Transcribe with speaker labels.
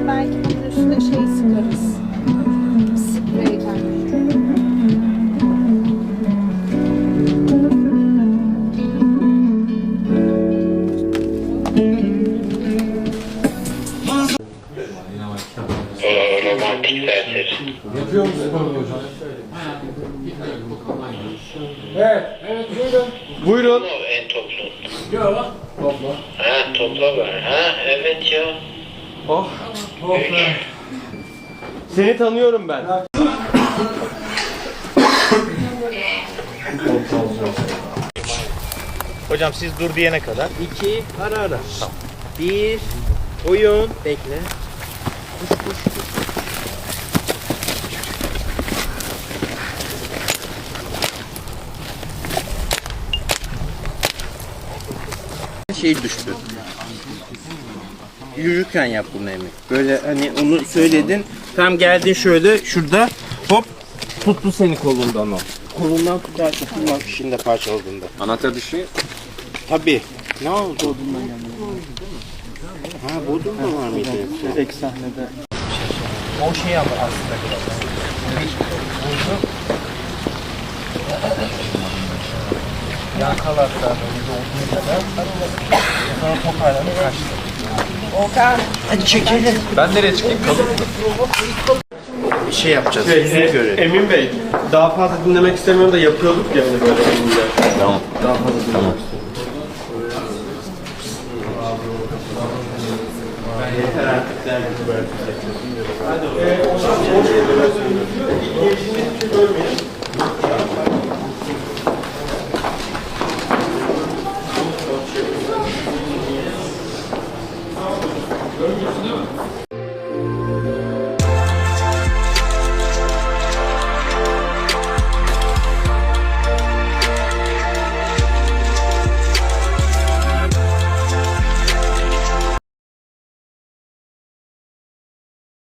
Speaker 1: Sonra belki bunun üstüne şey sıkarız. Spreyden.
Speaker 2: Romantik serseri.
Speaker 3: Yapıyor musun hocam? Evet, evet buyurun. Buyurun.
Speaker 2: En toplu.
Speaker 3: Yok. Topla.
Speaker 2: Ha topla var. Ha evet ya.
Speaker 3: Oh. Oh be. Seni tanıyorum ben.
Speaker 4: Hocam siz dur diyene kadar. 2 ara ara. Tamam. 1 oyun bekle. Koş. Şey düştü. Yürürken yap bunu Emre. Böyle hani onu söyledin. Tam geldin şöyle şurada hop tuttu seni kolundan o. Kolundan tutarsa tutmak işinde parçaladığında.
Speaker 3: Anahtar dışı.
Speaker 4: Tabii. Ne oldu? Bodrum'dan geldi. Ha Bodrum'da var mıydı?
Speaker 3: Ek sahnede.
Speaker 4: O şey ama aslında biraz. Yakalarsa böyle olduğu kadar sonra toparlanıp kaçtı. Okan. Hadi çekelim.
Speaker 3: Ben nereye çıkayım? Kalın mı?
Speaker 4: Bir şey yapacağız. Yüzünü görelim.
Speaker 3: Emin Bey, daha fazla dinlemek istemiyorum da yapıyorduk ya hani böyle elimde. Tamam. Daha fazla dinlemek
Speaker 4: Yeter artık der gibi böyle.
Speaker 3: istemiyorum.